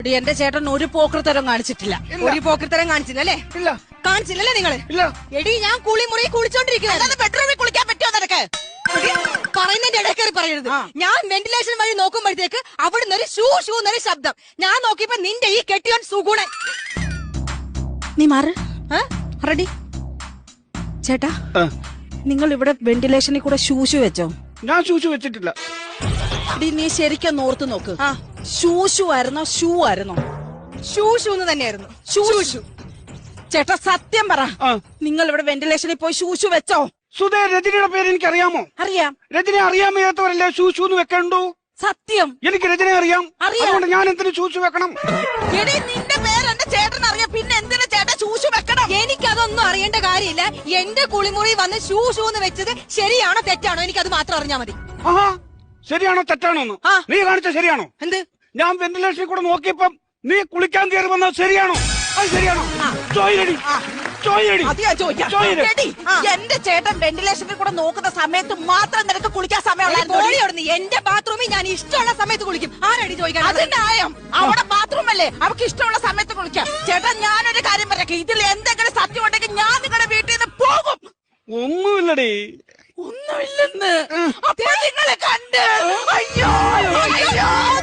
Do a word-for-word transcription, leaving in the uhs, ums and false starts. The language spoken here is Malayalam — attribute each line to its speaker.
Speaker 1: എടി, എന്റെ ചേട്ടൻ ഒരു പോക്കൃത്തരം കാണിച്ചിട്ടില്ല.
Speaker 2: ഒരു പോക്കൃത്തരം കാണിച്ചില്ല അല്ലേ?
Speaker 3: ഇല്ല.
Speaker 2: കാണിച്ചില്ലല്ലേ നിങ്ങള്?
Speaker 3: ഇല്ല.
Speaker 2: എടി, ഞാൻ കുളിമുറി കുളിച്ചോണ്ടിരിക്കുന്നത്.
Speaker 1: ബെഡ്റൂമിൽ കുളിക്കാൻ പറ്റുമോ നിനക്ക്?
Speaker 2: പറയുന്നതിന്റെ ഇടയ്ക്കേറി പറയരുത്. ഞാൻ വെന്റിലേഷൻ വഴി നോക്കുമ്പോഴത്തേക്ക് അവിടുന്ന് ഒരു ഷൂ ഷൂ എന്നൊരു ശബ്ദം. ഞാൻ നോക്കിയപ്പോ നിന്റെ ഈ കെട്ടിയോൻ സുഗുണൻ.
Speaker 1: നീ മാറ്. റെഡി ചേട്ടാ, നിങ്ങൾ ഇവിടെ വെന്റിലേഷനിൽ കൂടെ ഷൂഷു വെച്ചോ?
Speaker 3: ഞാൻ ഷൂഷു വെച്ചിട്ടില്ല.
Speaker 1: എടി, നീ ശരിക്കും ഓർത്ത് നോക്ക്. ഷൂഷു ആയിരുന്നോ ഷൂ ആയിരുന്നോ?
Speaker 2: ഷൂ ഷൂ എന്ന് തന്നെയായിരുന്നു.
Speaker 1: ഷൂ ഷൂ. ചേട്ടാ സത്യം പറ, നിങ്ങൾ ഇവിടെ വെന്റിലേഷനിൽ പോയി ഷൂഷു വെച്ചോ?
Speaker 3: സുധേ, രജനിയുടെ പേര് എനിക്ക് അറിയാമോ?
Speaker 1: അറിയാം.
Speaker 3: രജനെ അറിയാൻ വയ്യാത്തവരല്ലേ ഷൂഷു എന്ന് വെക്കണ്ടു?
Speaker 1: സത്യം.
Speaker 3: എനിക്ക് രജനെ അറിയാം. അതുകൊണ്ട് ഞാൻ എന്തിനു ഷൂഷു വെക്കണം?
Speaker 1: എടി, നിന്റെ പേര് എന്റെ ചേട്ടൻ അറിയാം, പിന്നെ എന്തിനാ ചേട്ടൻ ഷൂഷു വെക്കണം?
Speaker 2: എനിക്കതൊന്നും അറിയേണ്ട കാര്യമില്ല. എന്റെ കുളിമുറി വന്ന് ഷൂ ഷൂ എന്ന് വെച്ചത് ശരിയാണോ തെറ്റാണോ എനിക്കത് മാത്രം അറിഞ്ഞാ മതി.
Speaker 3: ആഹാ, ശരിയാണോ തെറ്റാണോ? നീ കാണിച്ച ശരിയാണോ?
Speaker 2: എന്ത്?
Speaker 3: ഞാൻ വെന്റിലേഷനിൽ കൂടെ നോക്കിയപ്പം നീ കുളിക്കാൻ കയറി വന്നത് ശരിയാണോ? അത് ശരിയാണോ? ചോയിലടി, ചോയിലടി.
Speaker 1: അത് ഞാൻ ചോദിക്കാം. എടി, എന്റെ ചേട്ടൻ വെന്റിലേഷനിൽ കൂടെ നോക്കുന്ന സമയത്ത് മാത്രം നിനക്ക് കുളിക്കാൻ സമയമുള്ളൂ.
Speaker 2: എന്റെ ബാത്റൂമിൽ ഞാൻ ഇഷ്ടമുള്ള സമയത്ത് കുളിക്കും. ആരടി ചോദിക്കാൻ?
Speaker 1: അതിന്റെ ആയം അവിടെ ബാത്റൂം അല്ലേ, അവർക്ക് ഇഷ്ടമുള്ള സമയത്ത് കുളിക്കാം. ചേട്ടാ, ഞാനൊരു കാര്യം പറയാം, ഇതിൽ എന്തെങ്കിലും സത്യം ഉണ്ടെങ്കിൽ ഞാൻ നിങ്ങളുടെ വീട്ടിൽ നിന്ന് പോകും.
Speaker 3: ഒന്നുമില്ലടി.
Speaker 1: ഒന്നുമില്ലെന്ന് അപ്പൊ നിങ്ങളെ കണ്ട്. അയ്യോ അയ്യോ.